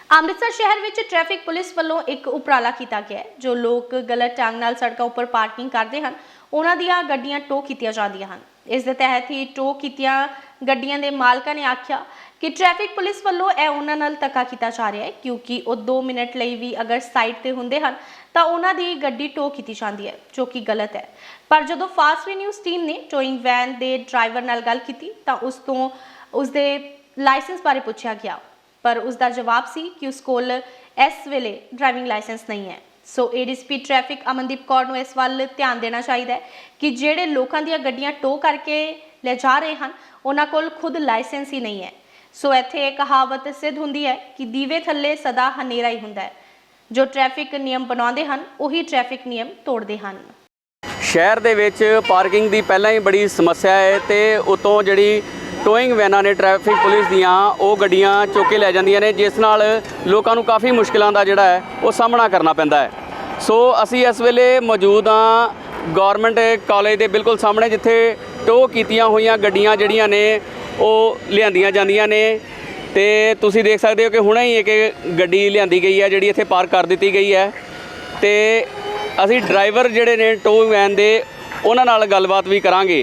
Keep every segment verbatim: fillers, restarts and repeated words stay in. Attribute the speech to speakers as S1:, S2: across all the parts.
S1: ਅੰਮ੍ਰਿਤਸਰ शहर में traffic police वालों एक उपराला किया गया है। जो लोग गलत ढंग नाल सड़कों उपर पार्किंग करते हैं उन्हां दीयां गड्डियां टो कीतियां जांदियां हन। इस दे तहत ही टो कीतियां गड्डियां दे मालकां ने आख्या कि ट्रैफिक पुलिस वालों यह उन्हां नाल धक्का कीता जा रहा है, क्योंकि वो दो मिनट लई भी अगर साइड ते हुंदे हन तां उन्हां दी गड्डी टो कीती जांदी है, जो कि गलत है। पर जदों फास्ट वे न्यूज़ टीम ने टोइंग वैन दे ड्राइवर नाल गल कीती तां उस तों उसदे लाइसेंस बारे पुछया गया, पर उसका जवाब सी कि उस कोल इस वेले ड्राइविंग लाइसेंस नहीं है। So ADCP traffic Amandeep Kaur नूं इस वाल ध्यान देना चाहिए कि ਜਿਹੜੇ लोगों ਦੀਆਂ ਗੱਡੀਆਂ टो करके ले जा रहे हैं उन्हां कोल खुद लाइसेंस ही नहीं है। सो इत्थे एक कहावत सिद्ध हुंदी है कि दीवे थल्ले सदा हनेरा ही हुंदा है। जो ट्रैफिक नियम बनाउंदे हन उही ट्रैफिक नियम तोड़दे हन।
S2: शहर दे विच पार्किंग दी पहलां ही बड़ी समस्या है ते उतों जिहड़ी टोइंग वैनां ने ट्रैफिक पुलिस दियां ਉਹ ਗੱਡੀਆਂ ਚੁੱਕ ਕੇ ਲੈ ਜਾਂਦੀਆਂ ਨੇ, ਜਿਸ ਨਾਲ ਲੋਕਾਂ ਨੂੰ ਕਾਫੀ ਮੁਸ਼ਕਿਲਾਂ ਦਾ ਜਿਹੜਾ ਹੈ ਉਹ ਸਾਹਮਣਾ ਕਰਨਾ ਪੈਂਦਾ ਹੈ। ਸੋ ਅਸੀਂ ਇਸ ਵੇਲੇ ਮੌਜੂਦ ਹਾਂ ਗਵਰਨਮੈਂਟ ਕਾਲਜ ਦੇ ਬਿਲਕੁਲ ਸਾਹਮਣੇ, ਜਿੱਥੇ ਟੋ ਕੀਤੀਆਂ ਹੋਈਆਂ ਗੱਡੀਆਂ ਜਿਹੜੀਆਂ ਨੇ ਉਹ ਲਿਆਂਦੀਆਂ ਜਾਂਦੀਆਂ ਨੇ ਤੇ ਤੁਸੀਂ ਦੇਖ ਸਕਦੇ ਹੋ ਕਿ ਹੁਣੇ ਹੀ ਇੱਕ ਗੱਡੀ ਲਿਆਂਦੀ ਗਈ ਹੈ ਜਿਹੜੀ ਇੱਥੇ ਪਾਰਕ ਕਰ ਦਿੱਤੀ ਗਈ ਹੈ ਤੇ ਅਸੀਂ ਡਰਾਈਵਰ ਜਿਹੜੇ ਨੇ ਟੋ ਵੈਨ ਦੇ ਉਹਨਾਂ ਨਾਲ ਗੱਲਬਾਤ ਵੀ ਕਰਾਂਗੇ।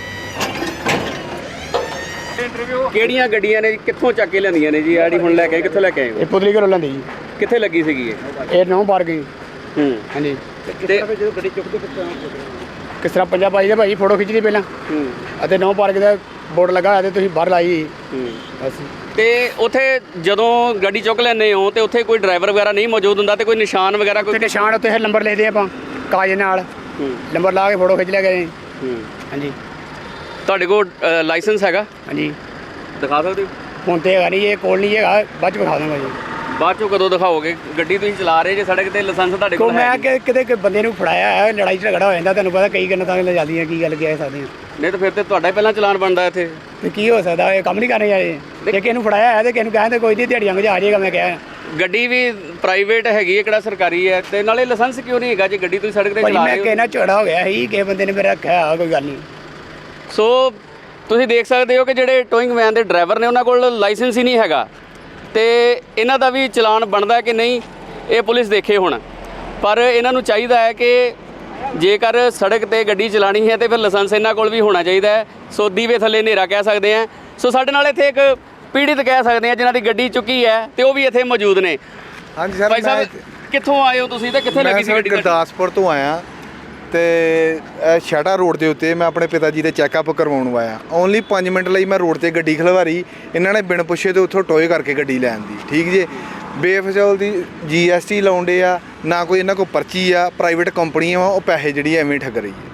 S2: ਕਿਹੜੀਆਂ ਗੱਡੀਆਂ ਨੇ ਕਿੱਥੋਂ ਚੱਕ ਕੇ ਲੈਂਦੀਆਂ ਨੇ ਜੀ? ਆੜੀ ਹੁਣ ਲੈ ਕੇ ਕਿੱਥੋਂ ਲੈ ਕੇ ਆਏ?
S3: ਇਹ ਪੁਤਲੀ ਘਰੋਂ ਲੈਂਦੀ ਜੀ।
S2: ਕਿੱਥੇ ਲੱਗੀ ਸੀਗੀ ਇਹ?
S3: ਇਹ ਨੌ ਪਾਰਕਿੰਗ।
S2: ਹੂੰ
S3: ਹਾਂਜੀ।
S2: ਤੇ
S3: ਜਦੋਂ ਗੱਡੀ ਚੁੱਕਦੇ ਕਿਸ ਤਰ੍ਹਾਂ ਪੰਜਾਬ ਆਈ ਦਾ ਭਾਈ ਫੋਟੋ ਖਿੱਚਦੀ ਪਹਿਲਾਂ।
S2: ਹੂੰ
S3: ਅਤੇ ਨੌ ਪਾਰਕਿੰਗ ਦਾ ਬੋਰਡ ਲੱਗਾ ਹੋਇਆ ਤੇ ਤੁਸੀਂ ਬਾਹਰ ਲਾਈ।
S2: ਹੂੰ
S3: ਅਸੀਂ
S2: ਤੇ ਉੱਥੇ ਜਦੋਂ ਗੱਡੀ ਚੁੱਕ ਲੈਂਦੇ ਹੋ ਤੇ ਉੱਥੇ ਕੋਈ ਡਰਾਈਵਰ ਵਗੈਰਾ ਨਹੀਂ ਮੌਜੂਦ ਹੁੰਦਾ ਤੇ ਕੋਈ ਨਿਸ਼ਾਨ ਵਗੈਰਾ ਕੋਈ?
S3: ਤੇ ਨਿਸ਼ਾਨ ਉੱਤੇ ਨੰਬਰ ਲੈਦੇ ਆਪਾਂ ਕਾਗਜ਼ ਨਾਲ।
S2: ਹੂੰ
S3: ਨੰਬਰ ਲਾ ਕੇ ਫੋਟੋ ਖਿੱਚ ਲਿਆ ਗਏ।
S2: ਹੂੰ
S3: ਹਾਂਜੀ।
S2: ਤੁਹਾਡੇ ਕੋਲ ਲਾਇਸੈਂਸ ਹੈਗਾ?
S3: ਹਾਂਜੀ।
S2: ਦਿਖਾ ਸਕਦੇ ਹੋ?
S3: ਹੁਣ ਤੇ ਹੈਗਾ ਨਹੀਂ, ਇਹ ਕੋਲ ਨਹੀਂ ਹੈਗਾ, ਬਾਅਦ ਚ ਵਿਖਾ ਦਾਂਗਾ ਜੀ।
S2: ਬਾਅਦ ਚੋਂ ਕਦੋਂ ਦਿਖਾਓਗੇ? ਗੱਡੀ ਤੁਸੀਂ ਚਲਾ ਰਹੇ ਜੇ ਸੜਕ ਤੇ, ਲਾਇਸੈਂਸ ਤੁਹਾਡੇ
S3: ਕੋ
S2: ਕੋਲ ਹੈ?
S3: ਮੈਂ ਕਿ ਕਿਤੇ ਕੋਈ ਬੰਦੇ ਨੂੰ ਫੜਾਇਆ ਹੈ, ਲੜਾਈ ਝਗੜਾ ਹੋ ਜਾਂਦਾ, ਤੁਹਾਨੂੰ ਪਤਾ ਕਈ ਗੱਲਾਂ ਤਾਂ ਲੈ ਜਾਂਦੀਆਂ, ਕੀ ਗੱਲ ਕਹਿ ਸਕਦੇ ਹਾਂ।
S2: ਨਹੀਂ ਤਾਂ ਫਿਰ ਤੇ ਤੁਹਾਡਾ ਹੀ ਪਹਿਲਾਂ ਚਲਾਨ ਬਣਦਾ ਇੱਥੇ।
S3: ਤੇ ਕੀ ਹੋ ਸਕਦਾ, ਇਹ ਕੰਮ ਨਹੀਂ ਕਰਨੇ ਜਾਏ। ਜੇ ਕਿਸੇ ਨੂੰ ਫੜਾਇਆ ਹੈ ਤੇ ਕਿਸੇ ਨੂੰ ਕਹਿੰਦੇ ਕੋਈ ਨਹੀਂ ਦਿਹਾੜੀਆਂ ਗੁਜਾ ਜਾਏਗਾ। ਮੈਂ ਕਿਹਾ
S2: ਗੱਡੀ ਵੀ ਪ੍ਰਾਈਵੇਟ ਹੈਗੀ ਹੈ, ਕਿਹੜਾ ਸਰਕਾਰੀ ਹੈ, ਤੇ ਨਾਲੇ ਲਾਇਸੈਂਸ ਕਿਉਂ ਨਹੀਂ ਹੈਗਾ ਜੇ ਗੱਡੀ ਤੁਸੀਂ ਸੜਕ ਤੇ ਚਲਾ
S3: ਮੈਂ
S2: ਰਹੇ ਹੋ?
S3: ਕਿਸੇ ਨਾਲ ਝਗੜਾ ਹੋ ਗਿਆ ਸੀ, ਕਿਸੇ ਬੰਦੇ ਨੇ ਮੇਰਾ ਰੱਖਿਆ, ਕੋਈ ਗੱਲ ਨਹੀਂ।
S2: ਸੋ ਤੁਸੀਂ ਦੇਖ ਸਕਦੇ ਹੋ ਕਿ ਜਿਹੜੇ ਟੋਇੰਗ ਵੈਨ ਦੇ ਡਰਾਈਵਰ ਨੇ ਉਹਨਾਂ ਕੋਲ ਲਾਇਸੈਂਸ ਹੀ ਨਹੀਂ ਹੈਗਾ ਤੇ ਇਹਨਾਂ ਦਾ ਵੀ ਚਲਾਨ ਬਣਦਾ ਕਿ ਨਹੀਂ ਇਹ ਪੁਲਿਸ ਦੇਖੇ ਹੁਣ। ਪਰ ਇਹਨਾਂ ਨੂੰ ਚਾਹੀਦਾ ਹੈ ਕਿ ਜੇਕਰ ਸੜਕ ਤੇ ਗੱਡੀ ਚਲਾਣੀ ਹੈ ਤੇ ਫਿਰ ਲਾਇਸੈਂਸ ਇਹਨਾਂ ਕੋਲ ਵੀ ਹੋਣਾ ਚਾਹੀਦਾ ਹੈ। ਸੋ ਦੀਵੇ ਥੱਲੇ ਹਨੇਰਾ ਕਹਿ ਸਕਦੇ ਹਾਂ। ਸੋ ਸਾਡੇ ਨਾਲ ਇੱਥੇ ਇੱਕ ਪੀੜਿਤ ਕਹਿ ਸਕਦੇ ਹਾਂ ਜਿਨ੍ਹਾਂ ਦੀ ਗੱਡੀ ਚੁੱਕੀ ਹੈ ਤੇ ਉਹ ਵੀ ਇੱਥੇ ਮੌਜੂਦ ਨੇ।
S4: ਹਾਂਜੀ ਸਰ,
S2: ਭਾਈ ਸਾਹਿਬ ਕਿੱਥੋਂ ਆਏ ਹੋ ਤੁਸੀਂ ਤੇ ਕਿੱਥੇ ਲੱਗੀ ਸੀ ਗੱਡੀ?
S4: ਗੁਰਦਾਸਪੁਰ ਤੋਂ ਆਇਆ ਤੇ ਸ਼ਾਟਾ ਰੋਡ ਦੇ ਉੱਤੇ ਮੈਂ ਆਪਣੇ ਪਿਤਾ ਜੀ ਦੇ ਚੈੱਕਅਪ ਕਰਵਾਉਣ ਆਇਆ। ਓਨਲੀ ਪੰਜ ਮਿੰਟ ਲਈ ਮੈਂ ਰੋਡ ਤੇ ਗੱਡੀ ਖਲਵਾਰੀ, ਇਹਨਾਂ ਨੇ ਬਿਨ ਪੁੱਛੇ ਤੇ ਉੱਥੋਂ ਟੋਏ ਕਰਕੇ ਗੱਡੀ ਲੈਣ ਦੀ। ਠੀਕ ਜੇ ਬੇਫਜ਼ੂਲ ਦੀ ਜੀ ਐਸ ਟੀ ਲਾਉਂਦੇ ਆ, ਨਾ ਕੋਈ ਇਹਨਾਂ ਕੋਲ ਪਰਚੀ ਆ, ਪ੍ਰਾਈਵੇਟ ਕੰਪਨੀਆਂ ਵਾ, ਉਹ ਪੈਸੇ ਜਿਹੜੀ ਐਵੇਂ ਠੱਗ ਰਹੀ ਹੈ।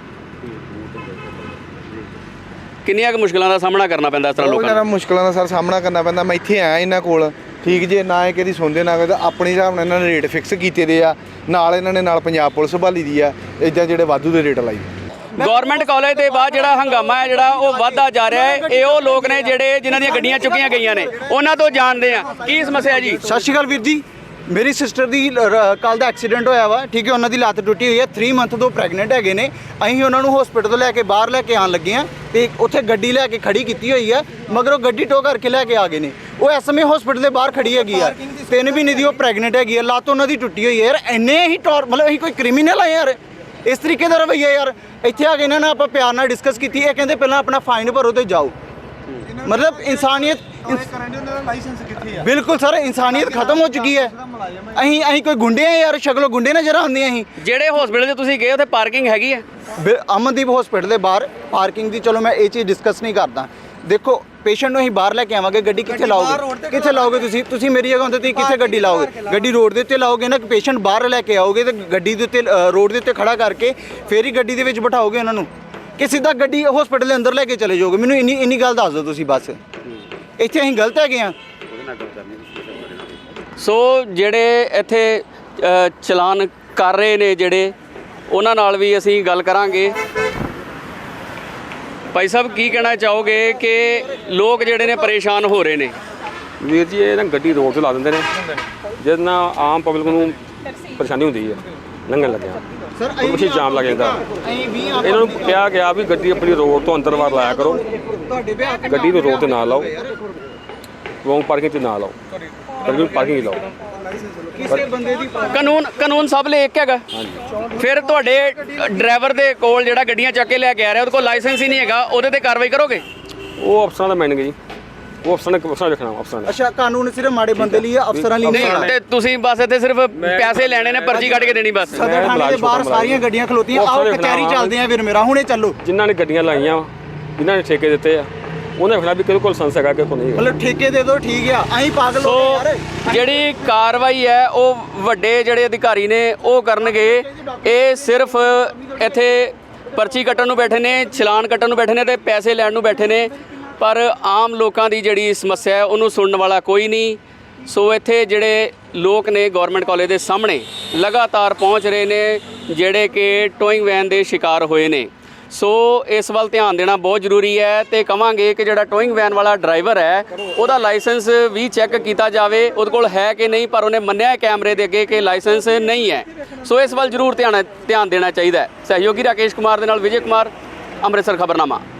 S2: ਕਿੰਨੀਆਂ ਕੁ ਮੁਸ਼ਕਲਾਂ ਦਾ ਸਾਹਮਣਾ ਕਰਨਾ ਪੈਂਦਾ ਇਸ ਤਰ੍ਹਾਂ ਲੋਕਾਂ ਨੂੰ?
S4: ਬਹੁਤ ਜ਼ਿਆਦਾ ਮੁਸ਼ਕਲਾਂ ਦਾ ਸਰ ਸਾਹਮਣਾ ਕਰਨਾ ਪੈਂਦਾ। ਮੈਂ ਇੱਥੇ ਆਇਆ ਇਹਨਾਂ ਕੋਲ, ਠੀਕ ਜੇ ਨਾ ਇਹ ਕਿਹਦੀ ਸੁਣਦੇ ਨਾ ਕੋਈ, ਆਪਣੇ ਹਿਸਾਬ ਨਾਲ ਇਹਨਾਂ ਨੇ ਰੇਟ ਫਿਕਸ ਕੀਤੇ ਦੇ ਆ, ਨਾਲ ਇਹਨਾਂ ਨੇ ਨਾਲ ਪੰਜਾਬ ਪੁਲਿਸ ਭਾਲੀ ਦੀ ਆ, ਇੱਦਾਂ ਜਿਹੜੇ ਵਾਧੂ ਦੇ ਰੇਟ ਲਾਈ।
S2: ਗਵਰਨਮੈਂਟ ਕਾਲਜ ਦੇ ਬਾਅਦ ਜਿਹੜਾ ਹੰਗਾਮਾ ਹੈ ਜਿਹੜਾ ਉਹ ਵੱਧਦਾ ਜਾ ਰਿਹਾ ਹੈ, ਇਹ ਉਹ ਲੋਕ ਨੇ ਜਿਹੜੇ ਜਿਨ੍ਹਾਂ ਦੀਆਂ ਗੱਡੀਆਂ ਚੁੱਕੀਆਂ ਗਈਆਂ ਨੇ, ਉਹਨਾਂ ਤੋਂ ਜਾਣਦੇ ਆ ਕੀ ਸਮੱਸਿਆ ਜੀ।
S5: ਸਤਿ ਸ਼੍ਰੀ ਅਕਾਲ ਵੀਰ ਜੀ। ਮੇਰੀ ਸਿਸਟਰ ਦੀ ਕੱਲ੍ਹ ਦਾ ਐਕਸੀਡੈਂਟ ਹੋਇਆ ਵਾ, ਠੀਕ ਹੈ, ਉਹਨਾਂ ਦੀ ਲੱਤ ਟੁੱਟੀ ਹੋਈ ਹੈ, ਥ੍ਰੀ ਮੰਥ ਤੋਂ ਪ੍ਰੈਗਨੈਂਟ ਹੈਗੇ ਨੇ। ਅਸੀਂ ਉਹਨਾਂ ਨੂੰ ਹਸਪੀਟਲ ਤੋਂ ਲੈ ਕੇ ਬਾਹਰ ਲੈ ਕੇ ਆਉਣ ਲੱਗੇ ਹਾਂ ਤੇ ਉੱਥੇ ਗੱਡੀ ਲੈ ਕੇ ਖੜੀ ਕੀਤੀ ਹੋਈ ਹੈ, ਮਗਰ ਉਹ ਗੱਡੀ ਟੋ ਕਰਕੇ ਲੈ ਕੇ ਆ ਗਏ ਨੇ। ਉਹ ਇਸ ਸਮੇਂ ਹਸਪੀਟਲ ਦੇ ਬਾਹਰ ਖੜੀ ਹੈਗੀ ਆ, ਤਿੰਨ ਮਹੀਨੇ ਦੀ ਉਹ ਪ੍ਰੈਗਨੈਂਟ ਹੈਗੀ ਆ, ਲੱਤ ਉਹਨਾਂ ਦੀ ਟੁੱਟੀ ਹੋਈ ਹੈ। ਯਾਰ ਇੰਨੇ ਹੀ ਟੌਰ, ਮਤਲਬ ਅਸੀਂ ਕੋਈ ਕ੍ਰਿਮੀਨਲ ਆ ਯਾਰ? ਇਸ ਤਰੀਕੇ ਦਾ ਰਵੱਈਆ ਯਾਰ। ਇੱਥੇ ਆ ਕੇ ਇਹਨਾਂ ਨਾਲ ਆਪਾਂ ਪਿਆਰ ਨਾਲ ਡਿਸਕਸ ਕੀਤੀ, ਇਹ ਕਹਿੰਦੇ ਪਹਿਲਾਂ ਆਪਣਾ ਫਾਈਨ ਭਰੋ ਤੇ ਜਾਓ। ਮਤਲਬ ਇਨਸਾਨੀਅਤ ਬਿਲਕੁਲ ਸਰ, ਇਨਸਾਨੀਅਤ ਖਤਮ ਹੋ ਚੁੱਕੀ ਹੈ। ਅਸੀਂ ਅਸੀਂ ਕੋਈ ਗੁੰਡੇ ਆ ਯਾਰ? ਸ਼ਕਲੋਂ ਗੁੰਡੇ ਨਜ਼ਰ ਆਉਂਦੇ ਅਸੀਂ।
S2: ਜਿਹੜੇ ਹਸਪੀਟਲ 'ਚ ਤੁਸੀਂ ਗਏ ਉੱਥੇ ਪਾਰਕਿੰਗ ਹੈਗੀ ਹੈ?
S5: ਅਮਨਦੀਪ ਹਸਪੀਟਲ ਦੇ ਬਾਹਰ ਪਾਰਕਿੰਗ ਦੀ, ਚਲੋ ਮੈਂ ਇਹ ਚੀਜ਼ ਡਿਸਕਸ ਨਹੀਂ ਕਰਦਾ। ਦੇਖੋ ਪੇਸ਼ੈਂਟ ਨੂੰ ਅਸੀਂ ਬਾਹਰ ਲੈ ਕੇ ਆਵਾਂਗੇ, ਗੱਡੀ ਕਿੱਥੇ ਲਾਓਗੇ? ਕਿੱਥੇ ਲਾਓਗੇ ਤੁਸੀਂ? ਤੁਸੀਂ ਮੇਰੀ ਜਗ੍ਹਾ ਹੁੰਦੇ ਤੁਸੀਂ ਕਿੱਥੇ ਗੱਡੀ ਲਾਓਗੇ? ਗੱਡੀ ਰੋਡ ਦੇ ਉੱਤੇ ਲਾਓਗੇ ਨਾ, ਪੇਸ਼ੈਂਟ ਬਾਹਰ ਲੈ ਕੇ ਆਓਗੇ ਤੇ ਗੱਡੀ ਦੇ ਉੱਤੇ ਰੋਡ ਦੇ ਉੱਤੇ ਖੜਾ ਕਰਕੇ ਫੇਰ ਹੀ ਗੱਡੀ ਦੇ ਵਿੱਚ ਬਿਠਾਓਗੇ ਉਹਨਾਂ ਨੂੰ, ਕਿ ਸਿੱਧਾ ਗੱਡੀ ਹਸਪੀਟਲ ਦੇ ਅੰਦਰ ਲੈ ਕੇ ਚਲੇ ਜਾਓਗੇ? ਮੈਨੂੰ ਇੰਨੀ ਇੰਨੀ ਗੱਲ ਦੱਸ ਦਿਓ ਤੁਸੀਂ ਬਸ। ਇੱਥੇ ਅਸੀਂ ਗਲਤ ਹੈਗੇ ਆ।
S2: ਸੋ ਜਿਹੜੇ ਇੱਥੇ ਚਲਾਨ ਕਰ ਰਹੇ ਨੇ ਜਿਹੜੇ, ਉਹਨਾਂ ਨਾਲ ਵੀ ਅਸੀਂ ਗੱਲ ਕਰਾਂਗੇ। ਭਾਈ ਸਾਹਿਬ ਕੀ ਕਹਿਣਾ ਚਾਹੋਗੇ ਕਿ ਲੋਕ ਜਿਹੜੇ ਨੇ ਪਰੇਸ਼ਾਨ ਹੋ ਰਹੇ ਨੇ?
S6: ਵੀਰ ਜੀ ਇਹ ਨਾ ਗੱਡੀ ਰੋਡ 'ਤੇ ਲਾ ਦਿੰਦੇ ਨੇ, ਜਿਹਦੇ ਨਾਲ ਆਮ ਪਬਲਿਕ ਨੂੰ ਪਰੇਸ਼ਾਨੀ ਹੁੰਦੀ ਹੈ ਲੰਘਣ ਲੱਗਿਆ।
S5: ਸਰ
S6: ਪਿੱਛੇ ਜਾਮ ਲੱਗ ਜਾਂਦਾ। ਇਹਨਾਂ ਨੂੰ ਕਿਹਾ ਗਿਆ ਵੀ ਗੱਡੀ ਆਪਣੀ ਰੋਡ ਤੋਂ ਅੰਦਰ ਬਾਹਰ ਲਾਇਆ ਕਰੋ, ਗੱਡੀ ਨੂੰ ਰੋਡ 'ਤੇ ਨਾ ਲਾਓ, ਰੋਂਗ ਪਾਰਕਿੰਗ 'ਚ ਨਾ ਲਾਓ। ਪਰ ਪਾਰਕਿੰਗ ਲਾਓ।
S5: ਕਿਸੇ ਬੰਦੇ ਦੀ
S2: ਕਾਨੂੰਨ ਕਾਨੂੰਨ ਸਭ ਲਈ ਇੱਕ ਹੈਗਾ। ਫਿਰ ਤੁਹਾਡੇ ਡਰਾਈਵਰ ਦੇ ਕੋਲ ਜਿਹੜਾ ਗੱਡੀਆਂ ਚੱਕ ਕੇ ਲੈ ਕੇ ਆ ਰਿਹਾ ਉਹਦੇ ਕੋਲ ਲਾਇਸੈਂਸ ਹੀ ਨਹੀਂ ਹੈਗਾ, ਉਹਦੇ ਤੇ ਕਾਰਵਾਈ ਕਰੋਗੇ?
S6: ਉਹ ਅਫਸਰਾਂ ਦਾ ਮੈਨਗੇ ਜੀ, ਉਹ ਅਫਸਰਾਂ ਨੇ ਅਫਸਰਾਂ ਰੱਖਣਾ ਅਫਸਰਾਂ ਨੇ।
S5: ਅੱਛਾ, ਕਾਨੂੰਨ ਸਿਰਫ ਮਾੜੇ ਬੰਦੇ ਲਈ ਹੈ, ਅਫਸਰਾਂ ਲਈ ਨਹੀਂ
S2: ਨਹੀਂ ਤੇ ਤੁਸੀਂ ਬਸ ਇੱਥੇ ਸਿਰਫ ਪੈਸੇ ਲੈਣੇ ਨੇ, ਪਰਚੀ ਕੱਢ ਕੇ ਦੇਣੀ ਬਸ।
S5: ਸਦਰ ਥਾਣੇ ਦੇ ਬਾਹਰ ਸਾਰੀਆਂ ਗੱਡੀਆਂ ਖਲੋਤੀਆਂ, ਆਓ ਕਚਹਿਰੀ ਚੱਲਦੇ ਆ ਵੀਰ ਮੇਰਾ, ਹੁਣੇ ਚੱਲੋ।
S6: ਜਿਨ੍ਹਾਂ ਨੇ ਗੱਡੀਆਂ ਲਾਈਆਂ ਵਾ, ਜਿਨ੍ਹਾਂ ਨੇ ਠੇਕੇ ਦਿੱਤੇ ਆ, ਉਹਨੇ ਵੇਖਣਾ ਵੀ ਕਿਹਦੇ ਕੋਲ ਲਾਇਸੈਂਸ ਹੈਗਾ ਕਿ ਕੋਈ ਨਹੀਂ ਹੈਗਾ।
S5: ਮਤਲਬ ਠੇਕੇ ਦੇ ਦਿਓ, ਠੀਕ ਆ, ਅਸੀਂ ਪਾਗਲ ਹੋ
S2: ਸੋ
S5: ਗਏ ਯਾਰ।
S2: ਜਿਹੜੀ ਕਾਰਵਾਈ ਹੈ ਉਹ ਵੱਡੇ ਜਿਹੜੇ ਅਧਿਕਾਰੀ ਨੇ ਉਹ ਕਰਨਗੇ। ਇਹ ਸਿਰਫ ਇੱਥੇ ਪਰਚੀ ਕੱਟਣ ਨੂੰ ਬੈਠੇ ਨੇ, ਚਲਾਨ ਕੱਟਣ ਨੂੰ ਬੈਠੇ ਨੇ ਤੇ ਪੈਸੇ ਲੈਣ ਨੂੰ ਬੈਠੇ ਨੇ, ਪਰ ਆਮ ਲੋਕਾਂ ਦੀ ਜਿਹੜੀ ਸਮੱਸਿਆ ਹੈ ਉਹਨੂੰ ਸੁਣਨ ਵਾਲਾ ਕੋਈ ਨਹੀਂ। ਸੋ ਇੱਥੇ ਜਿਹੜੇ ਲੋਕ ਨੇ ਗਵਰਨਮੈਂਟ ਕਾਲਜ ਦੇ ਸਾਹਮਣੇ ਲਗਾਤਾਰ ਪਹੁੰਚ ਰਹੇ ਨੇ, ਜਿਹੜੇ ਕਿ ਟੋਇੰਗ ਵੈਨ ਦੇ ਸ਼ਿਕਾਰ ਹੋਏ ਨੇ। ਸੋ ਇਸ ਵੱਲ ਧਿਆਨ ਦੇਣਾ ਬਹੁਤ ਜ਼ਰੂਰੀ ਹੈ ਤੇ ਕਵਾਂਗੇ ਕਿ ਜਿਹੜਾ ਟੋਇੰਗ ਵੈਨ ਵਾਲਾ ਡਰਾਈਵਰ ਹੈ ਉਹਦਾ ਲਾਇਸੈਂਸ ਵੀ ਚੈੱਕ ਕੀਤਾ ਜਾਵੇ, ਉਹਦੇ ਕੋਲ ਹੈ ਕਿ ਨਹੀਂ, ਪਰ ਉਹਨੇ ਮੰਨਿਆ ਕੈਮਰੇ ਦੇ ਅੱਗੇ ਕਿ ਲਾਇਸੈਂਸ ਨਹੀਂ ਹੈ। ਸੋ ਇਸ ਵੱਲ ਜ਼ਰੂਰ ਧਿਆਨ ਧਿਆਨ ਦੇਣਾ ਚਾਹੀਦਾ ਹੈ। ਸਹਿਯੋਗੀ ਰਾਕੇਸ਼ ਕੁਮਾਰ ਦੇ ਨਾਲ ਵਿਜੇ ਕੁਮਾਰ, ਅੰਮ੍ਰਿਤਸਰ ਖਬਰਨਾਮਾ।